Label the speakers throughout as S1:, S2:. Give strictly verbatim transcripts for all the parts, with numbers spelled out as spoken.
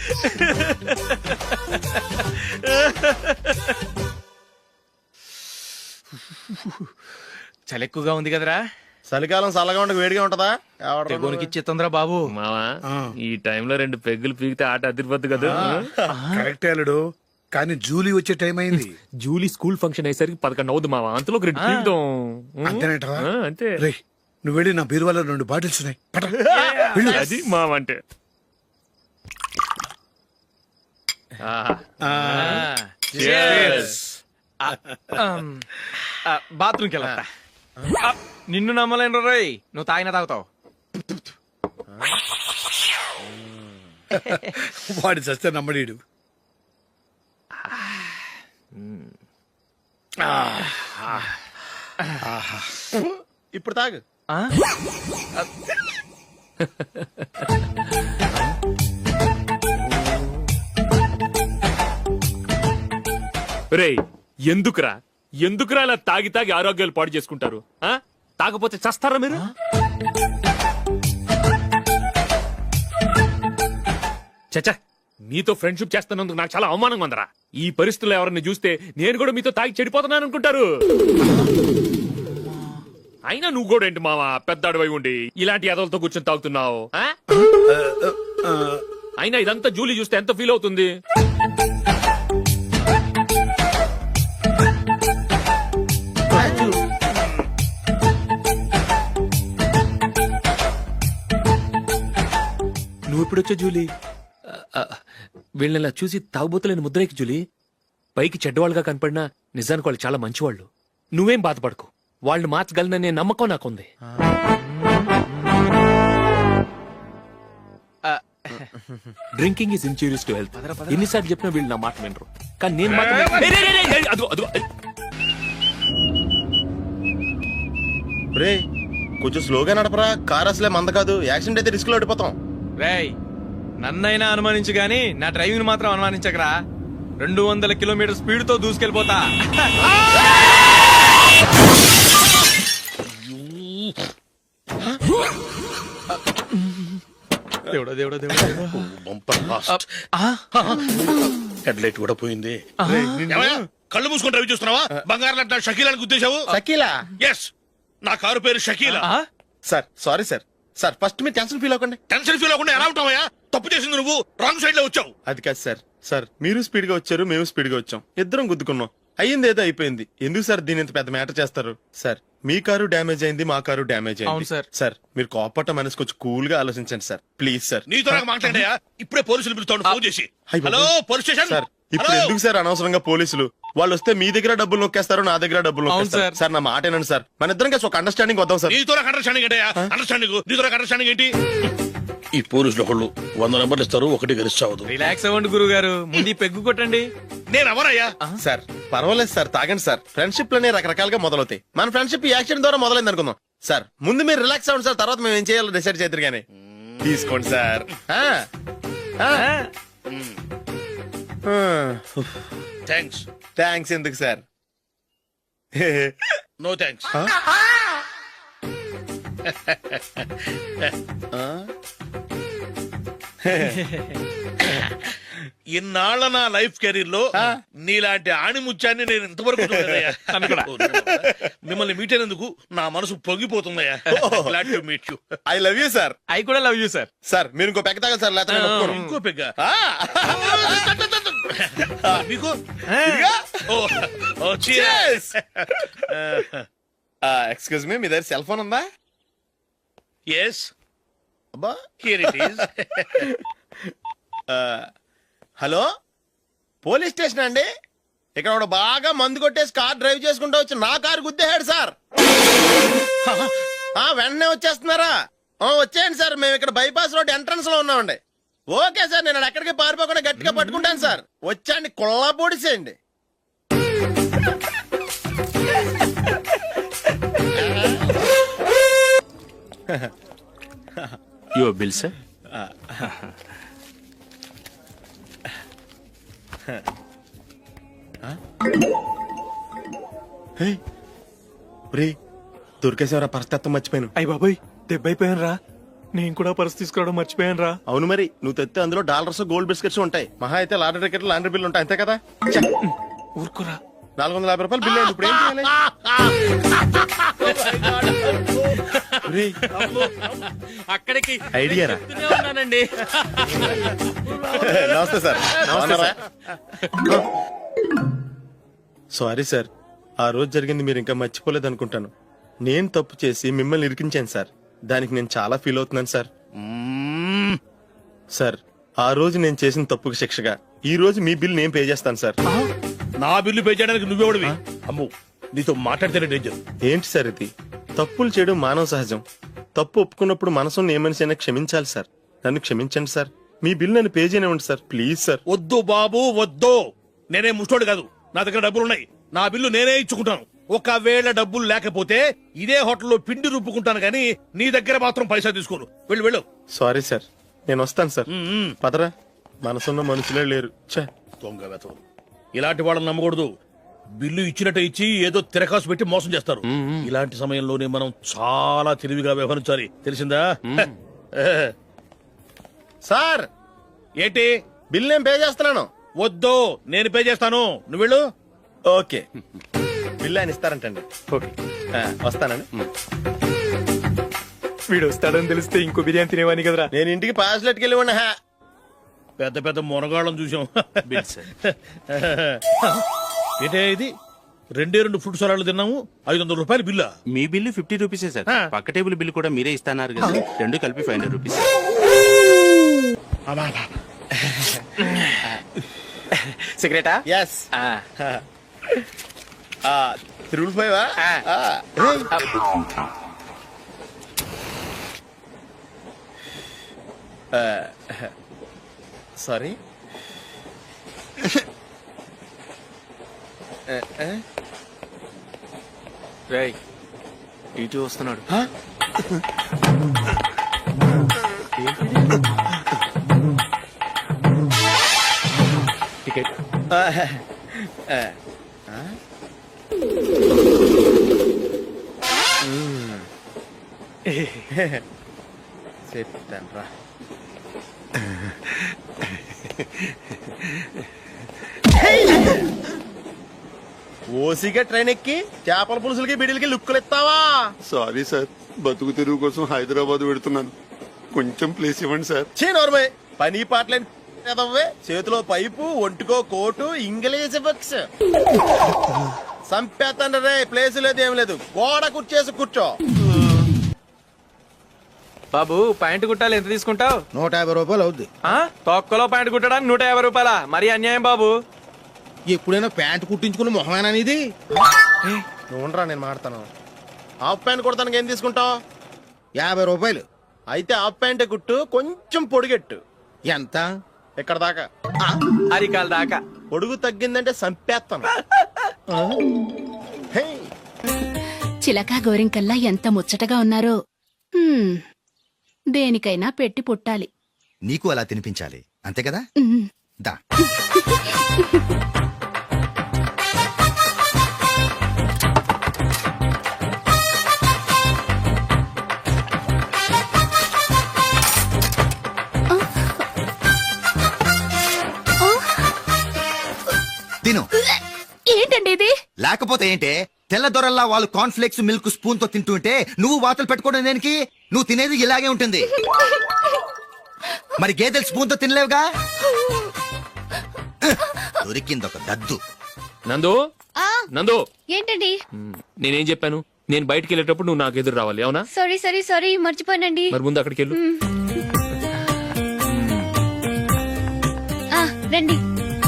S1: చలి ఎక్కువగా ఉంది కదరా.
S2: చలికాలం చల్లగా ఉండక వేడిగా ఉంటదా?
S1: తెగోనికి ఇచ్చేతుందిరా బాబు.
S3: మావా ఈ టైంలో రెండు పెగ్గులు పీకితే ఆట అదిరిపోద్దు కదా.
S4: కరెక్ట్ అల్లుడు, కానీ జూలీ వచ్చే టైం అయింది.
S3: జూలీ స్కూల్ ఫంక్షన్ అయ్యేసరికి పదకొండు అవుద్ది మావా, అంతలో రెండు పీకుదాం.
S4: అంతేనేటవా?
S3: ఆ, అంతే.
S4: రే, నువ్వు వెళ్ళి నా బీరువాలో రెండు బాటిల్స్ ఉన్నాయి, పట.
S3: అది మావా అంటే.
S1: బాత్రూమ్కి వెళ్ళా. నిన్ను నమ్మలేను రోయ్, నువ్వు తాగినా తాగుతావు.
S4: వాడి చస్తే నమ్మడీడు.
S2: ఇప్పుడు తాగు.
S3: రేయ్, ఎందుకురా ఎందుకురా ఇలా తాగి తాగి ఆరోగ్యాలు పాడు చేసుకుంటారు? ఆ తాగపోతే చస్తారా మీరు? చచ్చా, మీతో ఫ్రెండ్షిప్ చేస్తున్నందుకు నాకు చాలా అవమానంగా ఉందరా. ఈ పరిస్థితుల్లో ఎవరిని చూస్తే నేను కూడా మీతో తాగి చెడిపోతున్నాను అనుకుంటారు. అయినా నువ్వు కూడా ఏంటి మావా, పెద్ద అడవై ఉండి ఇలాంటి ఎదలతో కూర్చొని తాగుతున్నావు? అయినా ఇదంతా జూలీ చూస్తే ఎంత ఫీల్ అవుతుంది? నువ్వు ఎప్పుడొచ్చా జూలీ? వీళ్ళని చూసి తాగుబోతులేని ముద్రేకి జూలీ. పైకి చెడ్డవాళ్ళుగా కనపడినా నిజానికి వాళ్ళు చాలా మంచివాళ్ళు. నువ్వేం బాధపడకు, వాళ్ళని మార్చగలననే నమ్మకం నాకుంది. Drinking is injurious to health. ఎన్నిసార్లు చెప్పినా వీళ్ళు నా మాట వినరు, కానీ నేను మాత్రం.
S2: రే, కొంచెం స్లోగా నడపరా, కార్ అసలే మంద కాదు. యాక్సిడెంట్ అయితే రిస్క్ లో ఓడిపోతాం.
S1: రేయ్, నన్నైనా అనుమానించు గాని నా డ్రైవింగ్ మాత్రం అనుమానించకరా. రెండు వందల కిలోమీటర్ స్పీడ్ తో దూసుకెళ్ళిపోతా. దేవుడా దేవుడా దేవుడా,
S4: హెడ్ లైట్ కూడా పోయింది.
S5: కళ్ళు మూసుకొని రవి చూస్తున్నావా? బంగారం లాంటి షకీలాని గుద్దేశావు.
S2: షకీలా?
S5: ఎస్, నా కారు పేరు Shakeela.
S2: Sir sorry sir. Sir first మీరు టెన్షన్ ఫీల్ అవ్వకండి.
S5: టెన్షన్ ఫీల్ అవ్వకుండా ఎలా ఉంటావా? తప్పు చేసింది నువ్వు, రాంగ్ సైడ్ లో వచ్చావు.
S2: అది కాదు సార్. సార్ మీరు స్పీడ్ గా వచ్చారు, మేము స్పీడ్ గా వచ్చాం, ఇద్దరం గుద్దుకున్నాం. అయ్యింది ఏదో అయిపోయింది. ఎందుకు సార్ దీని ఇంత పెద్ద మ్యాటర్ చేస్తారు? సార్ మీ కారు డ్యామేజ్ అయింది, మా కారు డ్యామేజ్ అయింది.
S1: సార్
S2: సార్ మీరు కోపట్ట మనసు కొంచెం కూల్ గా ఆలోచించండి సార్, ప్లీజ్ సార్.
S5: నీతో నాకు మాట్లాడాయా? ఇప్పుడే పోలీసులు పిలుస్తాను, ఫోన్ చేసి. Hello police station.
S2: సార్ ఇప్పుడు ఎందుకు సార్ అనవసరంగా పోలీసులు? వాళ్ళు వస్తే మీ దగ్గర డబ్బులు నొక్కేస్తారు, నా దగ్గర డబ్బులు నొక్కేస్తారు. సార్ నా మాట ఏనండి సార్, మన ఇద్దరం కలిసి ఒక అండర్స్టాండింగ్ వద్దాం సార్.
S5: నీతో నాకు అండర్స్టాండింగ్ ఏంటయ్యా? అండర్స్టాండింగ్ నీతో నాకు అండర్స్టాండింగ్ ఏంటి?
S6: ఈ పోలీసులు ఒకళ్ళు వంద నెంబర్లు ఇస్తారు, ఒకటి గెలిచావదు.
S1: రిలాక్స్ అవ్వండి గురువు గారు, ముందు పెగ్గు కొట్టండి.
S5: నేను ఎవరయ్యా?
S2: సార్ పర్వాలేదు సార్, తాగండి సార్. ఫ్రెండ్షిప్ లోనే రకరకాలుగా మొదలవుతాయి. మన ఫ్రెండ్షిప్ ఈ యాక్సిడెంట్ ద్వారా మొదలైంది అనుకుందాం. సార్ ముందు మీరు రిలాక్స్ అవ్వండి సార్, తర్వాత మేము ఏం చేయాలో డిసైడ్ చేద్దరు గానీ. తీసుకోండి సార్.
S5: థ్యాంక్స్.
S2: థ్యాంక్స్ ఎందుకు సార్?
S5: No thanks. ఇన్నాళ్ళ నా లైఫ్ కెరీర్ లో నీలాంటి ఆణిముత్యాన్ని నేను ఇంతవరకు చూడలేదయ్యా. మిమ్మల్ని మీట్ అయినందుకు నా మనసు పొంగిపోతుందయ్యా. Glad to meet you.
S2: I love you sir.
S1: I కూడా లవ్ యూ సార్.
S2: సార్ మీరు ఇంకో పెక్క తాగండి సార్, లేకపోతే నేను ఒప్పుకోను.
S5: ఇంకో పెగ్గ మీకు?
S2: ఎక్స్క్యూజ్ మీ, మీ దగ్గర సెల్ ఫోన్ ఉందా?
S5: ఎస్,
S2: అబ్బా
S5: here it is.
S2: Hello, police station అండి. ఇక్కడ ఒకడు బాగా మందు కొట్టేసి కార్ డ్రైవ్ చేసుకుంటూ వచ్చి నా కారు గుద్దేశాడు సార్. వెంటనే వచ్చేస్తున్నారా? వచ్చేయండి సార్, మేము ఇక్కడ బైపాస్ రోడ్ ఎంట్రన్స్ లో ఉన్నామండి. ఓకే సార్, నేను ఎక్కడికి పారిపోకుండా గట్టిగా పట్టుకుంటాను సార్. వచ్చాండి, కుళ్ళ పొడిసేయండి.
S3: Your bill sir.
S2: దొరికేసేవరా, పరిస్థితి మర్చిపోయాను.
S1: అయ్య బాబాయ్, దెబ్బైపోయాను రా. నేను కూడా పర్స్ తీసుకురావడం మర్చిపోయాను రా.
S2: అవును మరి నువ్వు తెస్తే అందులో డాలర్స్ గోల్డ్ బిస్కెట్స్ ఉంటాయి. మహా అయితే లాటరీ టికెట్ లాండ్రీ బిల్లు ఉంటాయి అంతే కదా. ఛ!
S1: ఊరుకురా.
S2: నాలుగు వందల యాభై రూపాయలు బిల్లు అయింది. ఇప్పుడు ఏం చేయాలి? ఒరేయ్,
S3: అక్కడికి
S2: ఐడియా రా.
S3: చెప్తూనే ఉన్నానండి.
S2: నమస్తే సార్. బాగున్నారా? సారీ సార్, ఆ రోజు జరిగింది మీరు ఇంకా మర్చిపోలేదు అనుకుంటాను. నేను తప్పు చేసి మిమ్మల్ని ఇరికించాను సార్. దానికి నేను చాలా ఫీల్ అవుతున్నాను సార్. సార్, ఆ రోజు నేను చేసిన తప్పుకి శిక్షగా ఈ రోజు మీ బిల్ నేను పే చేస్తాను సార్.
S5: నా బిల్లు పే చేయడానికి నువ్వెవడివి? అమ్ము, నీతో మాట్లాడితేనే డేంజర్.
S2: ఏంటి సార్ ఇది? తప్పులు చేయడం మానవ సహజం. తప్పు ఒప్పుకున్నప్పుడు మనసుని ఏ మనిషి అయినా క్షమించాలి సార్. నన్ను క్షమించండి సార్. మీ బిల్ నన్ను పే చేయనివ్వండి సార్, ప్లీజ్ సార్.
S5: వద్దు బాబు వద్దు. నేనే ముష్టోడు కాదు, నా దగ్గర డబ్బులు ఉన్నాయి. నా బిల్లు నేనే ఇచ్చుకుంటాను. ఒకవేళ డబ్బులు లేకపోతే ఇదే హోటల్లో పిండి రుబ్బుకుంటాను కానీ నీ దగ్గర మాత్రం పైసా తీసుకోను. వెళ్ళు వెళ్ళు.
S2: సారీ సార్, నేను వస్తాను సార్.
S5: మ్మ్.
S2: పదరా, మనసున్న మనుషులే లేరు. ఛే!
S5: దొంగ వెతవు. ఇలాంటి వాళ్ళని నమ్మకూడదు. బిల్లు ఇచ్చినట్టు ఇచ్చి ఏదో తిరకాసు పెట్టి మోసం చేస్తారు. ఇలాంటి సమయంలోనే మనం చాలా తెలివిగా వ్యవహరించాలి, తెలిసిందా?
S2: సార్,
S5: ఏంటి?
S2: బిల్ నేను పే చేస్తున్నాను.
S5: వద్దు, నేను పే చేస్తాను. నువ్వు వెళ్ళు.
S2: ఓకే, బిల్ ఆయన ఇస్తారంటండి.
S1: ఓకే.
S2: ఆ, వస్తానండి.
S1: వీడు వస్తాడని తెలిస్తే ఇంకో బిర్యానీ తినేవాని కదరా.
S2: నేను ఇంటికి పాస్లెట్కి వెళ్ళి ఉన్నా.
S5: పెద్ద పెద్ద మునగాళ్ళం చూసాం.
S3: Bill sir.
S5: ఏంటే ఇది? రెండే రెండు ఫుడ్ సలాడ్లు తిన్నాము, ఐదు వందల రూపాయలు బిల్లా?
S7: మీ బిల్లు ఫిఫ్టీ రూపీసే సార్.
S5: ఆ.
S7: పక్క టేబుల్ బిల్లు కూడా మీరే ఇస్తాన్నారు కదా, రెండు కలిపి ఫైవ్ హండ్రెడ్ రూపీస్.
S3: సిగరెటా?
S2: ఎస్. Triple five. సారీ.
S3: రేయ్, ఇటు వస్తున్నాడు. టికెట్.
S2: చెప్తాను రా. ఓసిగా ట్రైన్ ఎక్కి చేపల పులుసులకి బిడిలకి లుక్కులు ఇస్తావా?
S8: సారీ సార్, బతుకు తెరువు కోసం హైదరాబాద్ పెడుతున్నాను. కొంచెం ప్లేస్ ఇవ్వండి సార్.
S2: చే నోర్మే, పని పాటలేని ఎదవ్వే. చేతిలో పైపు, ఒంటికో కోటు, ఇంగ్లీష్ బుక్స్. సంపేతండ్రి రే, ప్లేస్ లేదు ఏం లేదు. గోడ కుర్చేసి కూర్చో.
S1: బాబు, ప్యాంటు కుట్టాలి, ఎంత తీసుకుంటావు?
S9: నూట యాభై రూపాయలు అవుద్ది.
S1: తొక్కలో ప్యాంటు కుట్టడానికి నూట యాభై రూపాయల? మరి అన్యాయం బాబు.
S9: ఎప్పుడైనా ప్యాంట్ కుట్టించుకున్న మొహమేనా ఇది?
S2: నువ్వురా, నేను మాడతాను. హాఫ్ ప్యాంట్ కుడతానికి ఏం తీసుకుంటావు?
S9: యాభై రూపాయలు.
S2: అయితే హాఫ్ ప్యాంటే కుట్టు, కొంచెం పొడిగెట్టు.
S9: ఎంత?
S2: ఇక్కడ దాకా.
S1: అరికాల దాకా.
S2: పొడుగు తగ్గిందంటే సంపేస్తాను. హే,
S10: చిలకా గోరింకల్లా ఎంత ముచ్చటగా ఉన్నారో. హ్మ్, దేనికైనా పెట్టి పుట్టాలి.
S9: నీకు అలా తినిపించాలి, అంతే కదా?
S10: ఉమ్.
S9: దా. తిను.
S10: ఏంటండి ఇది?
S9: లేకపోతే ఏంటే, తెల్లదొరల్లా వాళ్ళు కార్న్ఫ్లేక్స్ మిల్క్ స్పూన్ తో తింటుంటే నువ్వు వాతలు పెట్టుకోవడం దేనికి? నువ్వు తినేది ఇలాగే ఉంటుంది. మరి గేదెలు స్పూన్ తో తినలేవుగా. దొరికింది ఒక దద్దు.
S3: నందు, నందు,
S11: ఏంటండి?
S3: మ్, నేనేం చెప్పాను? నేను బయటికి వెళ్ళేటప్పుడు నువ్వు నాకు ఎదురు రావాలి, అవునా?
S11: సారీ సారీ సారీ మర్చిపోయానండి.
S3: మరి ముందు అక్కడికి వెళ్ళు.
S11: ఆ, రండి.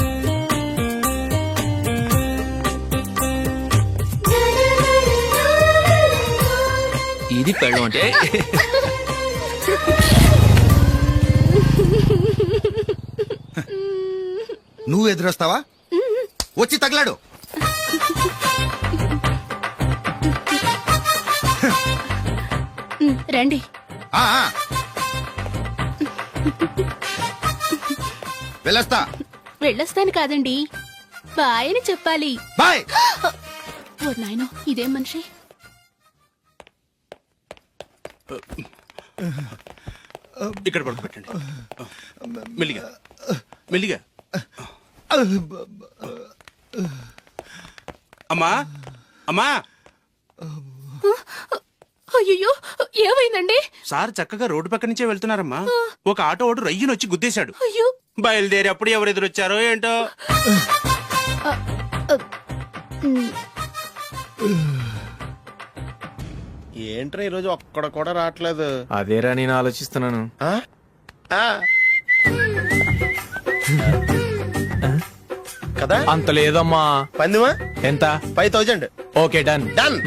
S3: ఇది పెళ్ళం అంటే.
S9: నువ్వు ఎదురొస్తావా? వచ్చి తగలాడు.
S10: ఉమ్, రండి.
S9: ఆ, ఆ. వెళ్ళొస్తా.
S10: వెళ్ళొస్తాను కాదండి, బాయ్ అని చెప్పాలి.
S9: బాయ్.
S10: ఓ నాయనో, ఇదేం మనిషి?
S7: ఇక్కడ పడుకోబెట్టండి మెల్లిగా మెల్లిగా అమ్మా అమ్మా
S10: అయ్యో ఏమైందండి?
S7: సార్ చక్కగా రోడ్డు పక్క నుంచే వెళ్తున్నారమ్మా ఒక ఆటో ఓడు రయ్యను వచ్చి గుద్దేశాడు
S10: అయ్యో
S7: బయలుదేరి అప్పుడు ఎవరు ఎదురొచ్చారో ఏంటో
S2: ఏంట్రా ఈ రోజు ఒక్కడ కూడా రావట్లేదు.
S1: అదేరా నేను ఆలోచిస్తున్నాను.
S2: ఆ? ఆ. కదా
S1: అంత లేదమ్మా.
S2: పందిమా
S1: ఎంత?
S2: Five thousand.
S1: Okay done.
S2: Done.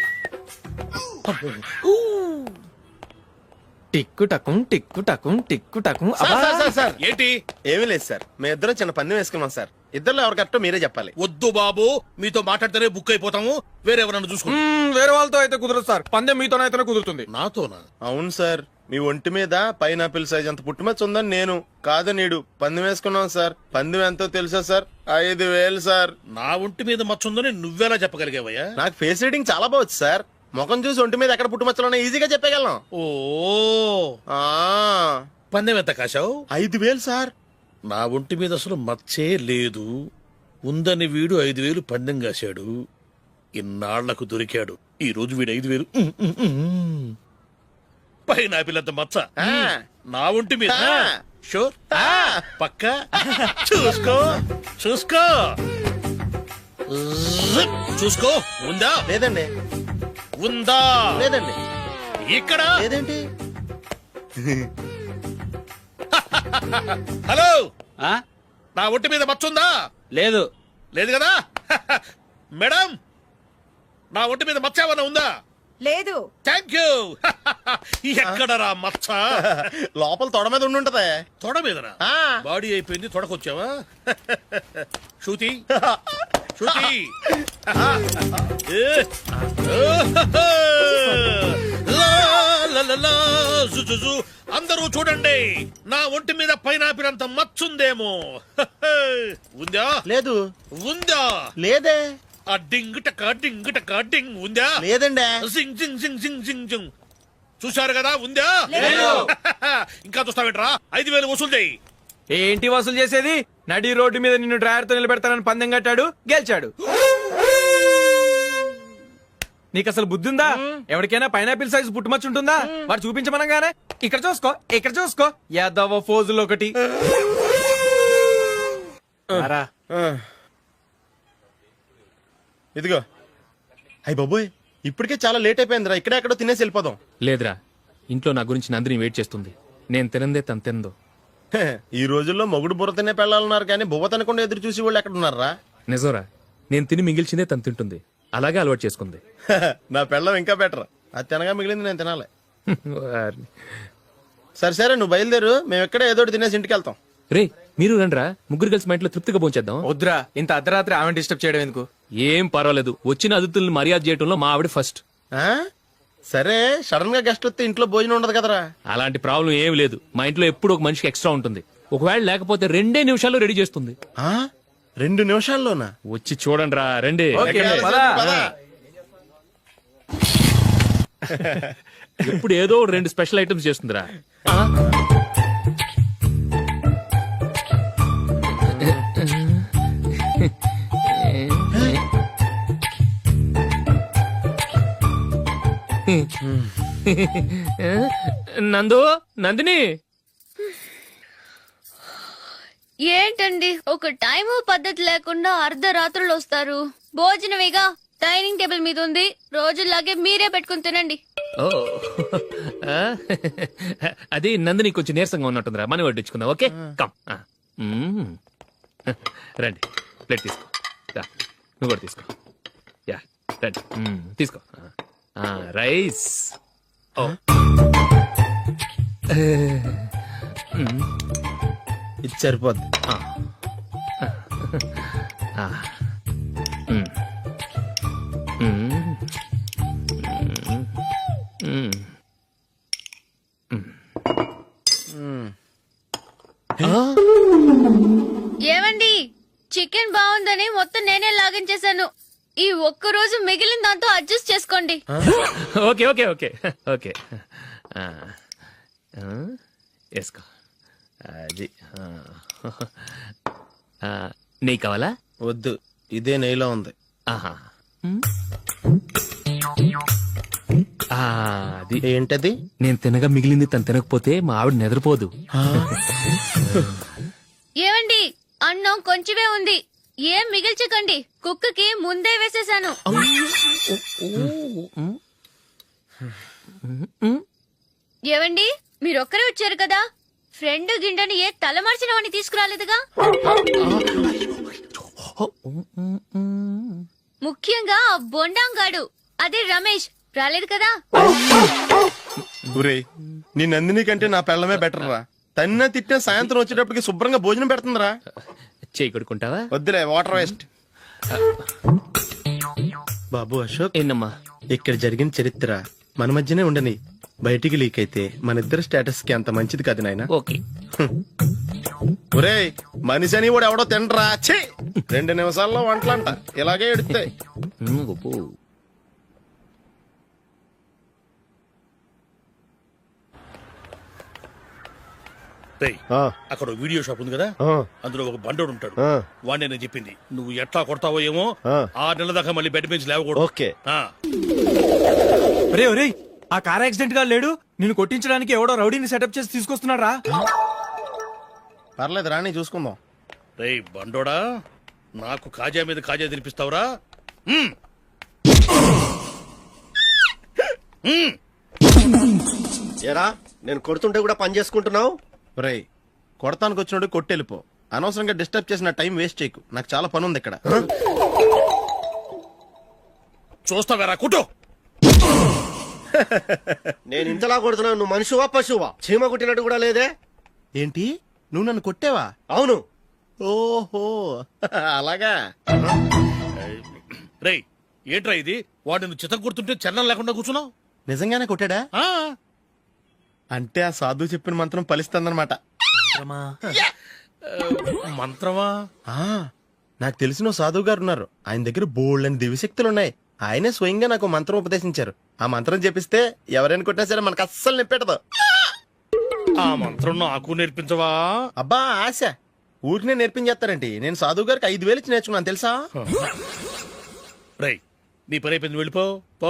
S1: టిక్కు టకుం టిక్కు టకుం టిక్కు టకుం.
S2: Sir, sir, sir, sir.
S5: ఏంటి?
S2: ఏమీ లేదు సార్, మేము ఇద్దరం చిన్న పందెం వేసుకున్నాం సార్. ఇద్దరు ఎవరు కరెక్టో మీరే చెప్పాలి.
S5: వద్దు బాబు, మీతో మాట్లాడితేనే బుక్ అయిపోతాము. వేరే ఎవరన్నా చూసుకుంటాం.
S1: మ్మ్, వేరే వాళ్ళతో అయితే కుదరదు సార్. పందెం మీతోనైతేనే కుదురుతుంది.
S5: నాతోనా?
S2: అవును సార్, మీ ఒంటి మీద పైనాపిల్ సైజ్ అంత పుట్టుమచ్చ ఉందని నేను కాదు నీడు పందెం వేసుకున్నాం సార్. పందెం ఎంతో తెలుసా సార్? ఐదు వేలు సార్.
S5: నా ఒంటి మీద మచ్చ ఉందని నువ్వెలా చెప్పగలిగావయ్యా?
S2: నాకు ఫేస్ రీడింగ్ చాలా బాగుంది సార్. ముఖం చూసి ఒంటి మీద ఎక్కడ పుట్టుమచ్చలో ఈజీగా చెప్పగలం.
S5: ఓ
S2: ఆ
S5: పందెం ఎంత కాశావు?
S2: ఐదు వేలు సార్.
S5: నా ఒంటి మీద అసలు మచ్చే లేదు. ఉందని వీడు ఐదు వేలు పందెం కాశాడు. ఇన్నాళ్లకు దొరికాడు. ఈ రోజు వీడు ఐదు వేలు ఉమ్, ఉమ్, ఉమ్. పైన పిల్లంత మచ్చ
S2: ఆ.
S5: నా ఒంటి మీద.
S2: ఆ.
S5: షూర్
S2: ఆ.
S5: పక్క చూసుకో చూసుకో జిప్. చూసుకో. ఉందా?
S2: లేదండి.
S5: ఉందా?
S2: లేదండి.
S5: ఇక్కడ
S2: లేదేంటి?
S5: హలో,
S7: ఆ?
S5: నా ఒంటి మీద మచ్చ ఉందా?
S7: లేదు
S5: లేదు కదా? మేడం, నా ఒంటి మీద మచ్చ ఏమన్నా ఉందా?
S10: లేదు.
S5: Thank you. ఎక్కడరా మచ్చ?
S2: లోపల తొడ మీద ఉండి ఉంటది.
S5: తొడ మీదనా?
S2: ఆ.
S5: బాడీ అయిపోయింది, తొడకొచ్చావా? శృతి శృతి. ఏ. లా, లా, లా, లా, జు, జు, జు. అందరూ చూడండి, నా ఒంటి మీద పైనాపిల్ అంత మచ్చుందేమో. ఉందా?
S2: లేదు.
S5: ఉందా?
S2: లేదే.
S5: ఆ డింగ్ టక డింగ్ టక డింగ్ ఉందా?
S2: లేదండి.
S5: జింగ్ జింగ్ జింగ్ జింగ్ జింగ్ జింగ్. చూశారు కదా? ఉందా? ఇంకా చూస్తావేంట్రా? ఐదు వేలు వసూలు చేయి.
S1: ఏంటి వసూలు చేసేది? నడి రోడ్డు మీద నిన్ను డ్రైవర్ తో నిలబెడతానని పందెం కట్టాడు, గెలిచాడు. నీకు అసలు బుద్ధి ఉందా? ఎవరికైనా పైనాపిల్ సైజ్ పుట్టుమచ్చ ఉంటుందా? వాడు చూపించమనగానే ఇక్కడ చూసుకో ఇక్కడ చూసుకో యాదవ ఫోజులు ఒకటి. రా.
S2: ఆ. ఇదిగో. అయ్య బాబోయ్, ఇప్పటికే చాలా లేట్ అయిపోయిందిరా. ఇక్కడే ఎక్కడో తినేసి వెళ్ళిపోదాం.
S3: లేదురా, ఇంట్లో నా గురించి నందిని వెయిట్ చేస్తుంది. నేను తినందే తను తిందో.
S2: హే, ఈ రోజుల్లో మొగుడు బుర్ర తినే పెళ్ళాలన్నారు కానీ బువ్వ తినకుండా ఎదురు చూసి వాళ్ళు ఎక్కడ ఉన్నారా?
S3: నిజంరా, నేను తిని మిగిల్చిందే తను తింటుంది. అలాగే అలవాటు చేసుకుంది.
S2: నా పెళ్ళం ఇంకా బెటర్. అది తినగా మిగిలింది నేను తినాలి.
S3: వారిని.
S2: సరే సరే, నువ్వు బయలుదేరు. మేము ఎక్కడ ఏదో ఒకటి తినేసి ఇంటికి వెళ్తాం.
S3: రే, మీరు రండ్రా, ముగ్గురు కలిసి మా ఇంట్లో తృప్తిగా పోంచేద్దాం.
S1: వద్దురా, ఇంత అర్ధరాత్రి ఆమె డిస్టర్బ్ చేయడం ఎందుకు?
S3: ఏం పర్వాలేదు, వచ్చిన అతిథుల్ని మర్యాద చేయడంలో మా ఆవిడ ఫస్ట్.
S2: ఆ? సరే, సడన్ గా గెస్ట్ వస్తే ఇంట్లో భోజనం ఉండదు కదరా.
S3: అలాంటి ప్రాబ్లం ఏం లేదు. మా ఇంట్లో ఎప్పుడు ఒక మనిషికి ఎక్స్ట్రా ఉంటుంది. ఒకవేళ లేకపోతే రెండే నిమిషాల్లో రెడీ చేస్తుంది.
S2: ఆ? రెండు నిమిషాల్లోనా?
S3: వచ్చి చూడండి రా, రండి.
S1: ఓకే, పద.
S3: ఇప్పుడు ఏదో రెండు స్పెషల్ ఐటమ్స్ చేస్తుందిరా. నందు, నందిని.
S11: ఏంటండి ఒక టైము పద్ధతి లేకుండా అర్ధరాత్రులు వస్తారు? భోజనమేగా డైనింగ్ టేబుల్ మీద ఉంది. రోజుల్లాగే మీరే పెట్టుకుని తినండి.
S3: ఓ, ఆ? అది నందిని కొంచెం నీరసంగా ఉన్నట్టుందిరా, మనీ వడ్డించుకుందాం. Okay, come. ఆ. మ్మ్. రండి, ప్లేట్ తీసుకో. రా, నువ్వు కూడా తీసుకో. యా, రండి. మ్మ్, తీసుకో. ఆ, రైస్. ఓ. మ్మ్.
S2: ఇది సరిపోద్ది.
S3: ఆ. ఆ. మ్మ్. మ్మ్. మ్మ్. మ్మ్.
S11: ఏమండి, చికెన్ బాగుందని మొత్తం నేనే లాగించేశాను. ఈ ఒక్క రోజు మిగిలిన దాంతో అడ్జస్ట్ చేసుకోండి.
S3: Okay okay okay okay. ఆ. ఆ? వేసుకో అది ఆ. ఆ, నెయ్యి కావాలా?
S2: వద్దు, ఇదే నెయ్యిలో ఉంది.
S3: ఆహా మ్. ఆ, అది
S2: ఏంటది?
S3: నేను తినగా మిగిలింది తను తినకపోతే మా ఆవిడ నిద్రపోదు.
S11: ఏమండి అన్నం కొంచెమే ఉంది, ఏం మిగిల్చకండి, కుక్కకి ముందే వేసేసాను. ఏవండి మీరొక్కరే వచ్చారు కదా, ఫ్రెండ్ గిండెని ఏ తలమార్చిన వాడిని తీసుకురాలేదుగా? ముఖ్యంగా ఆ బొండాంగాడు అదే రమేష్ రాలేదు కదా?
S2: గురే, నీ నందిని కంటే నా పెళ్ళమే బెటర్ రా. తన్న తిట్టిన సాయంత్రం వచ్చేటప్పటికి శుభ్రంగా భోజనం పెడుతుందిరా.
S3: చేయి కొడుకుంటావా?
S2: వద్దులే, వాటర్ వేస్ట్. బాబు అశోక్,
S3: ఏంటమ్మా?
S2: ఇక్కడ జరిగిన చరిత్ర మన మధ్యనే ఉండని, బయటికి లీక్ అయితే మన ఇద్దరు స్టేటస్ కి అంత మంచిది కాదు నాయన.
S3: ఓకే.
S2: ఒరేయ్, మనిషి అని కూడా ఎవడో తినరా. ఛీ, రెండు నిమిషాల్లో వంటలంట ఇలాగే ఎడుతాయి.
S3: మ్, గొప్ప.
S5: రేయ్, అక్కడ ఓ వీడియో షాప్ ఉంది కదా, అందులో ఒక బండోడు ఉంటాడు. వాడిని నేను చెప్పింది, నువ్వు ఎట్లా కొడతావో ఏమో, ఆరు నెలల దాకా మళ్ళీ బెడ్ బెంచ్ లేవకూడదు.
S2: ఓకే.
S5: ఆ.
S1: ఒరే ఒరేయ్, ఆ కార్ యాక్సిడెంట్ గా లేడు, నిన్ను కొట్టించడానికి ఎవడో రౌడీని సెటప్ చేసి తీసుకొస్తున్నారా?
S2: పర్లేదు రాణి, చూసుకుందాం.
S5: రేయ్ బండోడా, నాకు కాజా మీద కాజా తినిపిస్తావురా? మ్మ్. మ్మ్.
S9: ఎరా నేను కొడుతుంటే కూడా పని చేసుకుంటున్నావు?
S2: ఒరేయ్, కొడతానికి వచ్చినోడు కొట్టెళ్ళిపో. అనవసరంగా డిస్టర్బ్ చేసిన టైం వేస్ట్ చేయకు, నాకు చాలా పని ఉంది ఇక్కడ.
S5: చూస్తావేరా కుట్టు.
S9: నేను ఇంతలా కొడుతున్నావు, నువ్వు మనిషివా పశువా? చీమ కుట్టినట్టు కూడా లేదే.
S2: ఏంటి, నువ్వు నన్ను కొట్టావా?
S9: అవును.
S2: ఓహో, అలాగా.
S5: రేయ్ ఏంట్రా ఇది, వాడు నువ్వు చిత్తం కొడుతుంటే చలనం లేకుండా కూర్చున్నావు?
S2: నిజంగానే కొట్టాడా?
S5: ఆ.
S2: అంటే ఆ సాధువు చెప్పిన మంత్రం ఫలిస్తుందన్నమాట.
S5: మంత్రమా?
S2: ఆ, నాకు తెలిసిన ఓ సాధువు గారు ఉన్నారు. ఆయన దగ్గర బోల్డ్ అని దివ్యశక్తులు ఉన్నాయి. ఆయనే స్వయంగా నాకు మంత్రం ఉపదేశించారు. ఆ మంత్రం చెప్పిస్తే ఎవరైనా కొట్టినా సరే మనకు అస్సలు నిప్పెట్టదు.
S5: ఆ మంత్రం నాకు నేర్పించవా?
S2: అబ్బా ఆశ, ఊరినే నేర్పించేస్తారండి. నేను సాధువు గారికి ఐదు వేలు ఇచ్చి నేర్చుకున్నాను తెలుసా?
S5: రేయ్ నీ పని అయిపోయింది, వెళ్ళిపో పో.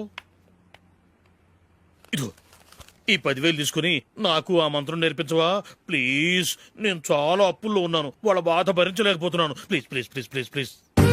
S5: ఇదిగో ఈ పదివేలు తీసుకుని నాకు ఆ మంత్రం నేర్పించవా ప్లీజ్? నేను చాలా అప్పుల్లో ఉన్నాను, వాళ్ళ బాధ భరించలేకపోతున్నాను. Please please please please please.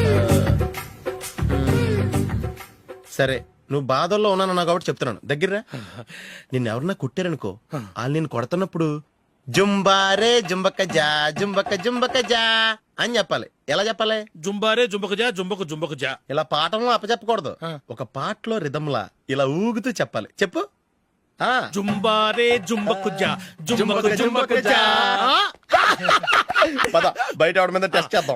S2: సరే, నువ్వు బాధల్లో ఉన్నాను నాకు కాబట్టి చెప్తున్నాను. దగ్గర నిన్ను ఎవరన్నా కుట్టారనుకో, వాళ్ళు నేను కొడుతున్నప్పుడు జుంబారే జుంబక్క జా జుంబక్క జుంబక్క జా అని చెప్పాలి. ఎలా చెప్పాలి?
S5: జుంబారే జుంబకు జా జుంబకు జుంబకు జా.
S2: ఇలా పాఠంలో అప్పచెప్పకూడదు, ఒక పాటలో రిధంలా ఇలా ఊగుతూ చెప్పాలి. చెప్పు. ఆ
S5: జుంబారే జుంబకు జా జుంబకు జుంబకు జా.
S2: పద బయట ఎవరి మీద టెస్ట్ చేద్దాం.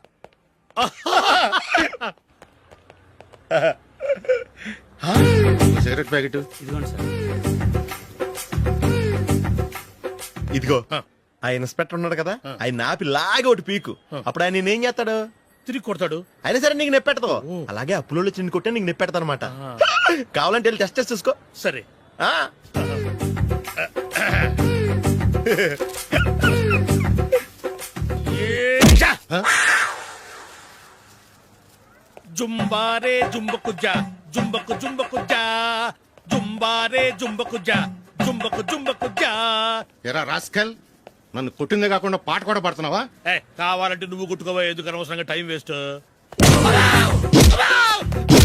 S2: సిగరెట్ ప్యాకెట్ ఇదిగో. ఆ ఇన్స్పెక్టర్ ఉన్నాడు కదా, ఆయన నాపి లాగే ఒకటి పీకు. అప్పుడు ఆయన నేనేం చేస్తాడు?
S5: తిరిగి కొడతాడు.
S2: అయినా సరే నీకు నెప్పెడతావు. అలాగే అప్పులో చిన్న కొట్టే నీకు నెప్పెడతా అనమాట. కావాలంటే వెళ్ళి టెస్ట్ చేసి చూసుకో.
S5: సరే.
S2: ఆ
S5: జుంబారే జుంబకు జా జుంబకు జుంబకు జా జుంబారే జుంబకు జా జుంబకు జుంబకు జా.
S8: ఎరా రాస్కల్, నన్ను కొట్టిందే కాకుండా పాట కూడా పడుతున్నావా?
S5: ఏ కావాలంటే నువ్వు కుట్టుకోవా, ఎందుకు అనవసరంగా టైం వేస్ట్.